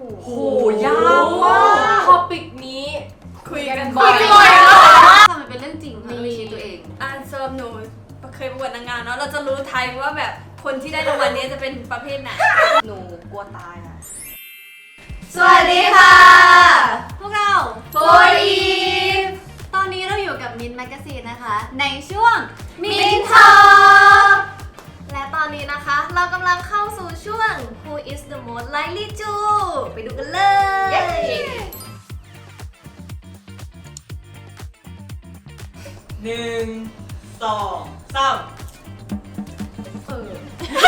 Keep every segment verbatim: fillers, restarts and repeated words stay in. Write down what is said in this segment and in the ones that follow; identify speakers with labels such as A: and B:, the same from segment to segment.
A: โหยากมากท็อปิกนี้คุยกันบ่อยทำมันเป็นเรื่องจริงค่ะไม่ใช่ตัวเอง
B: อ่านเซิร์ฟหนูเคยประกวดนางงามเนาะเราจะรู้ไทยว่าแบบคนที่ได้รางวัลนี้จะเป็นประเภทไหน
A: หนูกลัวตายอ่ะ
B: สวัสดีค่ะ
C: พวกเรา
B: โฟอีฟ
C: ตอนนี้เราอยู่กับมินแมกซีนนะคะในช่วง
B: มินทอล์ก
C: และตอนนี้นะคะเรากำลังเข้าสู่ช่วง Who is the most likely to ไปดูกันเลย
D: หนึ่งสองสาม
C: เออ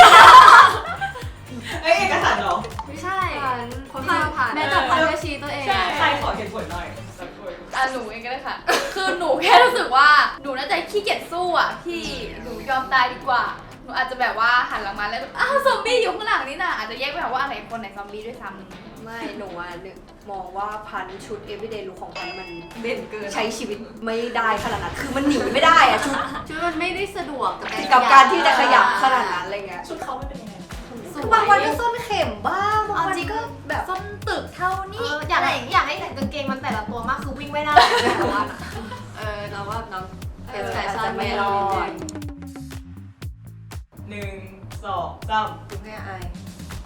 D: เอ้ยเอกสารเหรอ
C: ไม่ใช่คนที่เราผ่านแม่จับพันก็ชี้ตัวเอง
D: ใครขอเหตุผลหน่อยสักคน
E: อ่ะหนูเองก็ได้ค่ะคือหนูแค่รู้สึกว่าหนูน่าจะขี้เกียจสู้อ่ะพี่หนูยอมตายดีกว่าหนูอาจจะแบบว่าหันหลังมาแล้วอ้าวซอมบี้อยู่ข้างหลังนี่น่ะอาจจะแยกไม่ออกว่าอะไรคนไหนซอมบี้ด้วยซ้ำ
A: ไม่หนูอ่ะนึกมองว่าพันชุด everyday look ของพันมัน
E: เด่นเกิน
A: ใช้ชีวิตไม่ได้ขนาดนั้นคือมันหนีไม่ได้อะชุด
C: ชุดมันไม่ได้สะดวก
A: กับการที่จะขยับขนาดนั้นอะไรเงี้ย
D: ชุดเขาไม่เป็นยังไง
A: บางวันก็ส้นเข็มบ้างบางวันก็แบบ
E: ส้นตึกเท่านี้
C: อยากให้อยากให้แต่กางเกงมันแต่ละตัวมากคือวิ่งไม่ได้แต่ว่า
A: เออเราว่าน้อง
C: เป็นแฟชั่นไม่รอด
D: หนึ่งสองสาม
A: ดูให้อาย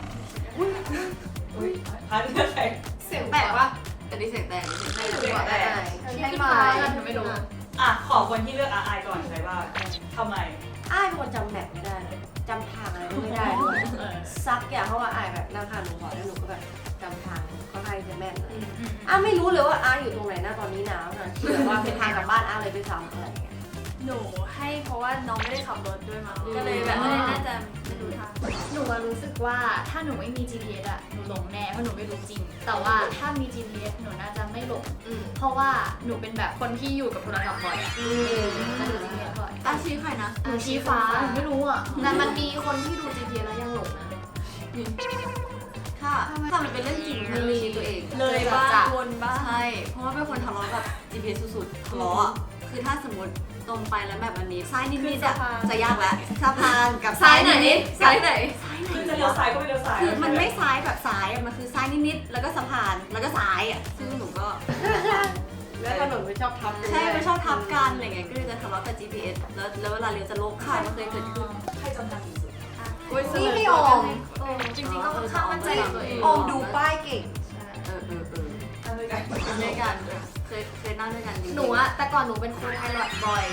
D: อุ้ยพันเลือกใคร
C: เสียงแตกปะ
A: แต่นี่เสียงแตก
D: ไม่เสียงแตก
C: ใช่ไหมฉันไม่รู้
D: อ่ะขอคนที่เลือกอาอายก่อนใช่ป่ะทำไม
A: อายเป็นคนจำแบบไม่ได้จำทางอะไรไม่ได้ด้วยซักอย่างเพราะว่าอายแบบนั่งทางหนูขอแล้วหนูก็แบบจำทางค่อนข้างจะแม่นอ่ะไม่รู้เลยว่าอาอยู่ตรงไหนหน้าตอนนี้นะที่แบบว่าเป็นทางกลับบ้านอาเลยด้วยซ้ำอะไรอย่างเงี้ย
B: หนูให้เพราะว่าน้องไม่ได้ขับรถด้วยมั้งก็เลยแบบน่าจะไม่รู้ทาง
E: หนูรู้สึกว่าถ้าหนูไม่มี จี พี เอส อะหนูหลงแน่เพราะหนูไม่รู้จริงแต่ว่าถ้ามี จี พี เอส หนูน่าจะไม่หลงเพราะว่าหนูเป็นแบบคนที่อยู่กับโทรศัพท์บ่อยอะจะดู จี พี เอส บ่อย
C: อาชี้ใครนะ
E: หนูชี้ฟ้าไม่รู้อะ
C: แต่มันมีคนที่ดู จี พี เอส แล้วยังหลงนะค่ะถ้ามันเป็นเรื่องจริง
A: มันมีตัวเอง
B: เลยบ้างวนบ้าง
C: ใช่เพราะว่าเป็นคนทะเลาะกับ จี พี เอส สุดๆทะเลาะคือถ้าสมมติตรงไปแล้วแบบวันนี้ซ้ายนิดๆจะจะยากแล้วสะพานกับ
B: ซ้ายไหนซ้ายไหน
D: คือจะเลี้ยวซ้ายก็ไม่เลี้ยวซ้าย
C: คือมันไม่ซ้ายแบบซ้ายมันคือซ้ายนิดๆแล้วก็สะพานแล้วก็ซ้ายอ่ะซึ่งหนูก็
A: แล้วถนนไม่ชอบทับ
C: ใช่ไม่ชอบทับกันอะไรเงี้ยก็เลยจะทะเลาะกับ จี พี เอส แล้วแล้วเวลาเลี้ยวจะโลกค่ะมันเคยเกิดขึ้น
D: ใครจำทางดีสุด
A: นี่พี่ออม
C: จริงๆก็ค่อนข้างมั่นใจตัวเอง
A: ออมดูป้ายเก่ง
C: เออเออเออ
D: นั่งด้วยกัน
C: นั่งด้วยกันเคยเคยนั่งด้วยกันหนูอะแต่ก่อนหนูเป็นครูไพลอตบ่อย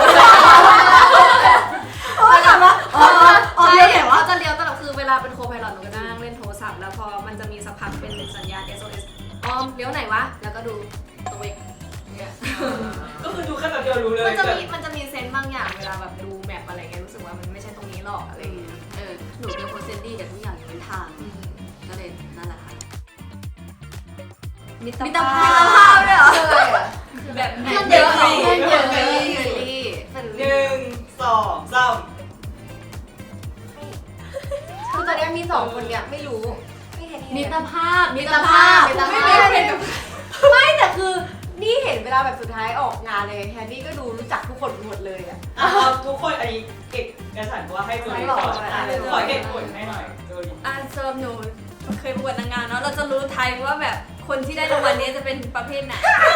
A: โอ้ยถามว่าอ๋ออ๋อ
C: เลี้ยวว่าจะเลี้ยวตลอดคือเวลาเป็นโคไพลอตหนูก็นั่งเล่นโทรศัพท์แล้วพอมันจะมีสักพักเป็นสัญญาณ เอส โอ เอส ออมเลี้ยวไหนวะแล้วก็ดูตัวเอง
D: ก็คือดูแค่แบบเดียวรู้เลย
C: มันจะมีมันจะมีเซนส์บางอย่างเวลาแบบดูแมปอะไรเงี้ยรู้สึกว่ามันไม่ใช่ตรงนี้หรอกอะไรอย่างเงี้ยเออหนูเป็นคนเซนดี้แต่ทุกอย่างเป็นทางก็เลยนั่นแหละค่ะ
A: มิตร
C: ภา
A: พ
C: ด้วยเหรอ
B: แบบ
C: เยอะเยอะเยอะเยอะ
D: หนึ่งสองสาม
A: คือตอนนี้มีสองคนเนี่ยไม่รู้
C: มิตรภาพ
A: มิตรภาพมิตรภาพไม่แต่คือนี่เห็นเวลาแบบสุดท้ายออกงานเลยแฮนนี่ก็ดูรู้จักทุกคนหมดเลยอ่ะ
D: ทุกคนอันนี้เก็บกระสันว่าให้ดูขอขอเหตุผลให้หน่อย
B: อ่านเซิร์ฟหนูเคยประกวดนางงามเนาะเราจะรู้ไทยว่าแบบคนที่ได้รางวัลนี้จะเป็นประเภทไหน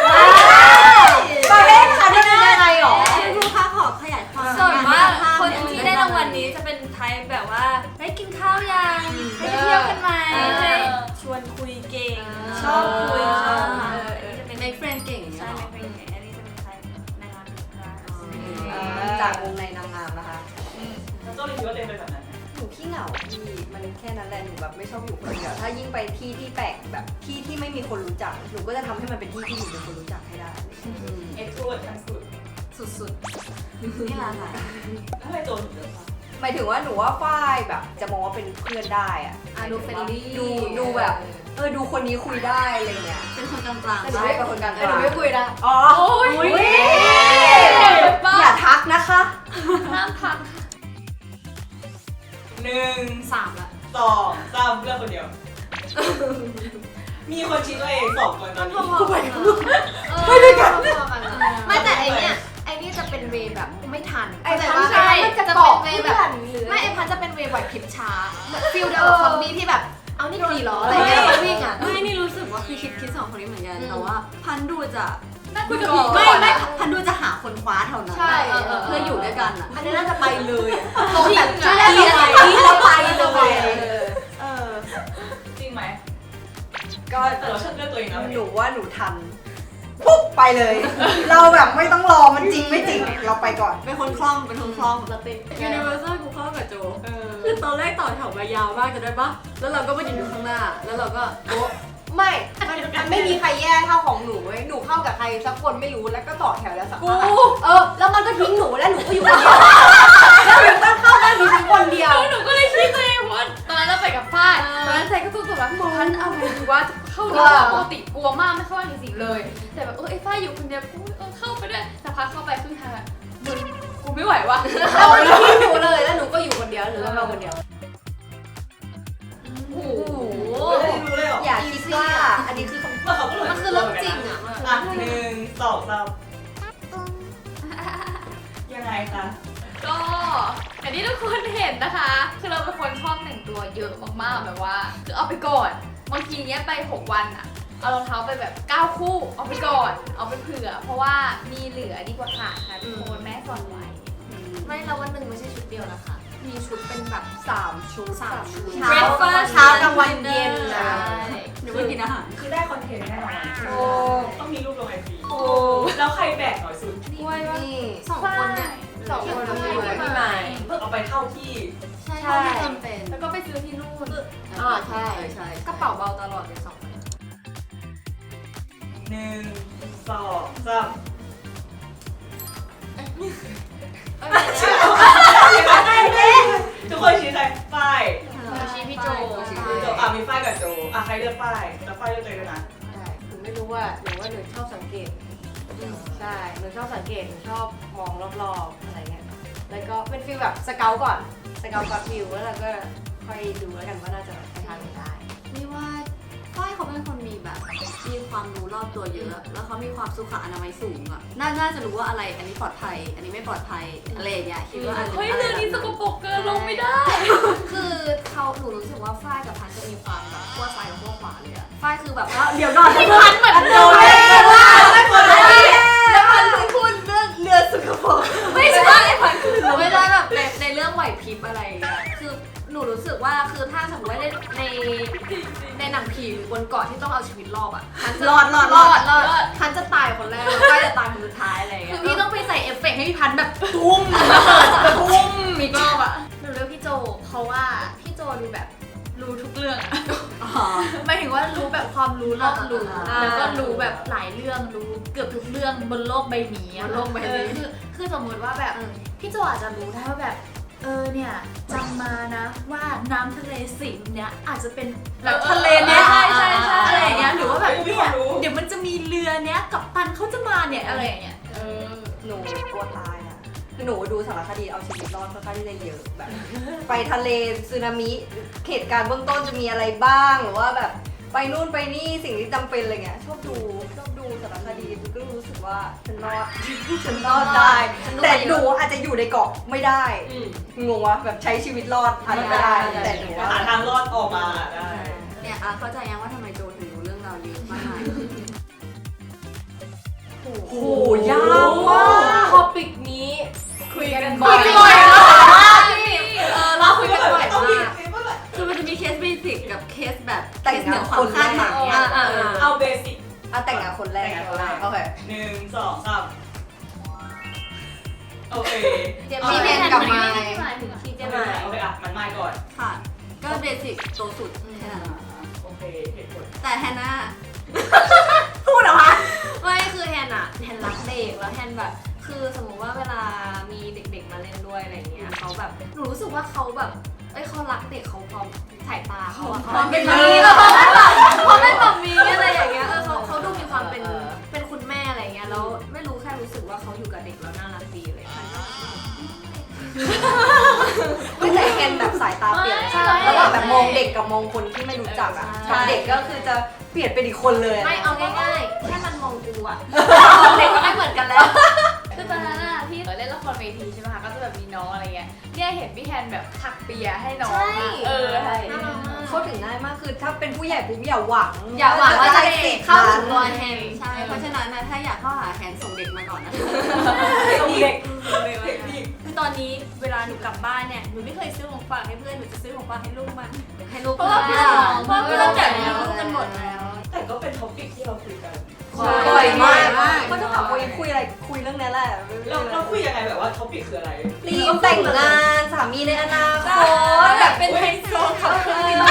A: ประเภทค่ะที่เป็นยังไงหรอ
C: ครูคะขอขยายความ
B: ส่วนมากคนที่ได้รางวัลนี้จะเป็นไทยแบบว่าได้กินข้าวยังได้เที่ยวกันไหมชวนคุยเก่งชอบคุยชอบ
C: จะเป็น make friend เก่ง
B: ใช่ make friend เก่งอันนี้จะเป็นไทยนางงาม
A: จากวงในนางงามนะคะ
D: แล้วก็เลยคิดว่าเต็มไปแบบนั้น
A: หนูขี้เหงาพี่มันแค่นั้นแหละหนูแบบไม่ชอบอยู่คนเดียวถ้ายิ่งไปที่ที่แปลกแบบที่ที่ไม่มีคนรู้จักหนูก็จะทำให้มันเป็นที่ที่หนูเป็นคนรู้จักให้ได้
D: เอ็กซ์โทรเวิร์ดทั้งสุด
C: สุดๆนี่แหละค่ะ
D: ทำไมโจนถึงเยอะคะ
A: หมายถึงว่าหนูว่าฝ้ายแบบจะมองว่าเป็นเพื่อนได้อะ
C: ดูเฟรนลี่
A: ดูดูแบบเออดูคนนี้คุยได้อะไรเงี้ย
C: เป็นคนกลาง
A: ๆใช่เป็นคนกลางๆ
C: หนูไม่คุยนะ
A: อ๋ออย่าทักนะคะ
E: ห้ามทัก
D: หนึ่ง
C: สามละ
D: สองสามเลือกคนเดียวมีคนชี้ตัวเองสองคนตอนนี้
C: ไป
A: ไปด้วยกัน
C: ไม่แต่ไอเนี้ยไอนี่จะเป็นเวแบบไม่ทัน
A: ไอ้
C: แต่
A: ว่า
C: ใช่
A: จะ
C: เป็นเวแบบไม่ไอพันจะเป็นเวไหวพริบช้าฟิลเดียวกับซอมบี้ที่แบบเอานี่ขี่ล้ออะไรเงี้ยวิ่งอ่ะ
B: ไม่
C: พันดูจะ
E: น่าคุยกับผี
C: ไม่
E: ก่อน
C: ไม่
E: นะ
C: พันดูจะหาคนคว้าเท่านั้น
A: ใช่
C: เออเออเพื่ออยู่ด้วยกันอ่ะ
A: อันนี้น่าจะไปเลยอะ
E: ตรงแบบ
A: ใช่แล้วนี้เราไปเลยอะ
C: เออ
D: จริงไหม
F: ก็
D: แต่เราเชื่อเรื่องตัวเองนะ
F: หนูว่าหนูทันปุ๊บไปเลย เราแบบไม่ต้องรอมันจริงไม่จริงเราไปก่อน
C: เป็นคนคล่องเป็นคนคล่อง
A: เราเป็น
C: ยูนิเวอร์แซลกูเข้ากับโจ
D: เออ
C: คือตอนแรกต่อแถวมายาวมากจะได้ปะแล้วเราก็มายืนอยู่ข้างหน้า แล้วเราก็โอ๊ะ
A: ไม่มันมันไม่มีใครแย่เท่าของหนูเว้ยหนูเข้ากับใครสักคนไม่รู้แล้วก็ต่อแถวแล้วสัก
E: กู
A: พักเออแล้วมันก็ทิ้งหนูแล้วหนูก็อยู่คนเดียวแล้วหนูก็เข้าได้หนูทิ้งคนเดียว
E: หนูก็เลยคิดตัวเองว่าตอนนั้นเราไปกับฝ้ายตอนนั้นใจก็สู้ตัวแบบพันเอาไงดีว่าจะเข้าดีกว่าปกติกลัวมากไม่เข้าจริงๆเลย แต่แบบเออไอ้ฝ้ายอยู่คนเดียวกูเออเข้าไปด้วยสักพักเข้าไปครึ่งทางอะมึงกูไม่ไหวว่ะ
A: แล้วมันก็ทิ้งหนูเลยแล้วหนูก็อยู่คนเดียวหนูก็มาคนเดียว
E: โอ้โห
D: ไม่ได้รู้เลยเหรอ
F: อย่าคิดว่าอันนี้คือคำ
D: ว่าเขาก็เลย
C: มันคือเรื่องจริงอ่ะมันคือ
D: อ่ะหนึ่งสองสามยังไงคะ
E: ก็อันนี้ทุกคนเห็นนะคะ คือเราเป็นคนชอบแต่งตัวเยอะมากๆแบบว่า คือเอาไปก่อนบางทีเนี้ยไปหกวันอะเอารองเท้าไปแบบเก้าคู่เอาไปก่อน เอาไปเผื่อ เพราะว่ามีเหลือดีกว่าขาดค่ะทุกคนแม่สอนไว้
C: ไม่เราวันหนึ่งไม่ใช่ชุดเดียวนะคะ มีชุดเป็นแบบ
A: สามชุด
C: สามชุด
A: เช้าเช้ากลางวันเย็นนะ
C: หรือว่ากินอาหาร
D: คือได้คอนเทนต์แน่นอน
A: โอ้
D: ต้องมีรูปลงไอจี
A: โอ้
D: แล้วใครแบกหน่อยสุด
E: กล้วยว่า
A: นี่
C: สองคนเนี่ย
A: สองคน
E: ใช่
A: พี่ใหม่พี่ใหม่
D: เพิ่งเอาไปเข้าที่
C: ใช่เท่าที่จำเป็น
E: แล้วก็ไปซื้อที่นู่น
A: อ่าใช่
C: ใช่กระเป๋าเบาตลอดเลยสองคน
D: หนึ่งสองสามทุกคนชี้ใครฝ้าย
E: ชี้พี่โจ
D: โจอ่ะมีฝ้ายกับโจอ่ะใครเลือกฝ้ายแล้วฝ้ายเลือกตัวเองด้วยนะ
A: ใช่หนูไม่รู้ว่าหนูว่าหนูชอบสังเกต ใช่ หนูชอบสังเกต หนูชอบมองรอบๆ อะไรเงี้ย แล้วก็เป็นฟีลแบบสเกลก่อน สเกลก่อนวิวแล้วเราก็ค่อยดูแล้วกันว่าน่าจะไปทางไหนได้
C: นี่ว่าฝ้ายเขาเป็นคนมีแบบมีความรู้รอบตัวเยอะ แล้วเขามีความสุขอนามัยสูงอ่ะน่าน่าจะรู้ว่าอะไรอันนี้ปลอดภัย อันนี้ไม่ปลอดภัยอะไรอย่างเงี้ยคิดว่าอัน
E: เฮ้ยเรื่องนี้สกปรกเกินลงไม่ได้
C: คือเขาหนูรู้สึกว่าฝ้ายกับพันจะมีความแบบขั้วซ้ายกับขั้วขวาเลยอะฝ้ายคือแบบว่าเดี๋ยวก่อน
E: พี่พันเหมือนโดน
C: แล้วพันคือพูดเรื่องเรือสุขภาพไม่ใช่พันคือไม่ได้แบบในในเรื่องไหวพริบอะไรอย่างเงี้ยคือหนูรู้สึกว่าคือถ้าสมมติว่าในในในหนังผีหรือบนเกาะที่ต้องเอาชีวิตรอดอ่ะรอดรอดรอดรอดพันจะตายคนแรกแล้วฝ้ายจะตายคนสุดท้ายอะไรอย่าง
E: คื
C: เงี้
E: อย พี่ต้องไปใส่เอฟเฟกต์ให้พี่พันแบบตุ้มตุ้มอีกรอบอะหนูเลือกพี่โจ เพราะว่าพี่โจดูแบบรู้ทุกเรื่องอะ
C: อ๋อ
E: หมายถึงว่ารู้แบบความรู้รอบรู้
C: อ่า
E: แล้วก็รู้แบบหลายเรื่องรู้เกือบทุกเรื่องบนโลกใบนี้อะ
C: บนโลกใบนี้
E: เออคือคือสมมติว่าแบบพี่โจอาจจะรู้ได้ว่าแบบเออเนี่ยจำมานะว่าน้ำทะเลสิงห์เนี่ยอาจจะเป็นแบบทะเลเนี้ย
C: ใช่ใช่ใช่
E: อะไรอย่างเงี้ยหรือว่าแบบ
D: ไม่มี
E: เนี่
D: ควาย มรู้
E: เดี๋ยวมันจะมีเรือเนี้ยกับตันเขาจะมาเนี่ยอะไรอย่างเงี้ยเออ
F: หนูกลัวตายอ่ะคือหนูดูสารคดีเอาชีวิตรอดค่อนข้างที่จะเยอะแบบ ไปทะเลสึนามิเหตุการณ์เบื้องต้นจะมีอะไรบ้างหรือว่าแบบไปนู่นไปนี่สิ่งที่จำเป็นอะไรเงี้ยชอบดูชอบดูสารคดีก็รู้สึกว่าฉันรอด ฉันรอดได้ แต่หนูอาจจะอยู่ในเกาะไม่ได้
D: อืม
F: งงวะแบบใช้ชีวิตรอดอาจจะไม่ได้ แต่หนูว่า
D: หาทางรอดออกมาได้
C: เนี่ยอ่ะเข้าใจยังว่าทำไมโจถึงรู้เรื่องราวเยอะมากมาย
F: โอ้โหยากมาก
A: ท็อปิกนี้
E: คุยกัน
C: คุ
E: บ่อย ย
C: กันบ่อยมากเออเราคุยกันบ่อย
D: ต้องมี
C: มากคือมันจะมีเคสเบสิกกับเคสแบบ
F: แต่ง
C: เคสเหนื
F: งาน
C: อควา
F: ค
C: ม
F: น
C: คาดหมาย
F: แรก
C: อ่ะอ่ะอ่ะ
D: เอาเบสิก
F: อ่ะแต่งงานคนแรก
D: แต่งงานคนแรก
F: โอเค
D: หนึ่งสองสามโอเค
A: เจม
C: พี่
A: ส์
C: แม
A: แม
C: น
A: น
C: กั
A: กั
C: บบ ไม
A: ไม้
C: ค์
A: พี่เจ
D: โอ
A: มส์
D: เค
A: ไม้
D: โอเคอ่ะมันไม่ก่อน
C: ค่ะ ก็เบสิกโตสุดแค่นั้น
D: โอเคเหตุผล
C: แต่แฮนน่า
F: พูดเหรอคะ
C: ไม่คือแฮนอะแฮนรักเด็กแล้วแฮนแบบ คือสมมติว่าเวลามีเด็กๆมาเล่นด้วยอะไรเงี้ยเขาแบบหนูรู้สึกว่าเขาแบบเอ้ยเขารักเด็กเขาพร้อมสายตาเขาอะเขาเป็นแบบนี้แบบเขาเป็นแบบนี้อะไรอย่างเงี้ยเออเขาเขาดูมีความเป็นเป็นคุณแม่อะไรเงี้ยแล้วไม่รู้แค่รู้สึกว่าเขาอยู่กับเด็กแล้วน่ารักดีเลยค่ะ
F: ไม่แต่แคนแบบสายตาเปลี่ยน
C: ใช่
F: ระหว่างแบบมองเด็กกับมองคนที่ไม่รู้จักอ่ะ
C: ใช่
F: กับเด็กก็คือจะเปลี่ยนเป็นอีกคนเลยอะ
C: ไม่เอาง่ายๆแค่มันมองกูอะมองเด็กก็ไม่เหมือนกันแล้ว
E: คือตอนนั้นอะที่เล่นละครเวทีใช่ไหมคะก็จะแบบมีน้องอะไรเงี้ยเนี่ยเห็นพี่แทนแบบถักเปียให้น้อง
A: ใช่
E: เออใช่
F: เข้าถึงง่ายมากคือถ้าเป็นผู้ใหญ่ปุ๊บอย่าหวัง
C: อย่าหวังว่าจะ
F: ได้สิทธิ์
C: เข้าถึงตัว
F: นั้น
C: แฮนใช่ เพราะฉะนั้นนะถ้าอยากเข้าหาแฮนส่งเด็กมาก่อนนะ
D: เด็กเด็กพี่
B: คือตอนนี้เวลาหนูกลับบ้านเนี่ยหนูไม่เคยซื้อของฝากให้เพื่อนหนูจะซื้อของฝากให้ลูกมัน
C: ให้ลูก
B: เพราะว่าเพื่อนเพราะว่าเพื่อนแบบมีลูกกันหมดแล้ว
D: แต่ก็เป็นท็อปิกที่เราคุยกัน
F: บ่อยมาก
C: มาก
F: ก็จะถามว่าคุยอะไรคุยเรื่องนี้แหละ
D: เราเราคุยยังไงแบบว่าท็อปิกคืออะไร
F: รีบแต่งงานสามีในอนาคต
B: แบบเป็นไฮโซขับเครื่องบิน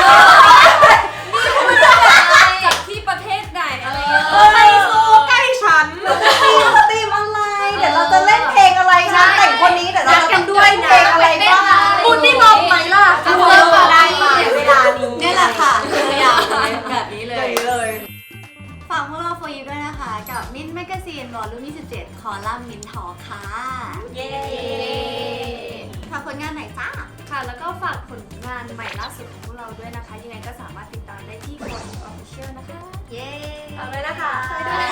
B: จากที่ประเทศไหนอะไรอย่างเงี้ย
D: ไฮโซใกล้ฉัน
F: ตีมตีมอะไร เดี๋ยวเราจะเล่นเพลงอะไรนะแต่งคนนี้เดี๋ยวเราจะเพลงอะไรบ้าง
C: พูดนี่มองไหมล่ะ
F: เอาเริ่มมาได้มาเวลานี้
C: นี่แหละค่ะตัวอย่างแบบนี้เลย
F: เลย
C: ฝากพวกเราโฟยูด้วยนะคะ กับมินแมกซีนวอลลุ่มยี่สิบเจ็ดคอลัมน์มินทอค่ะ
B: เย้
C: ฝากผลงานไหนจ้า
B: ค่ะ แล้วก็ฝากผลงานใหม่ล่าสุดของพวกเราด้วยนะคะ ยังไงก็สามารถติดตามได้ที่คนออฟฟิเชียลนะคะ
C: เย้
A: เอาเลยนะคะ
C: ไปด้วย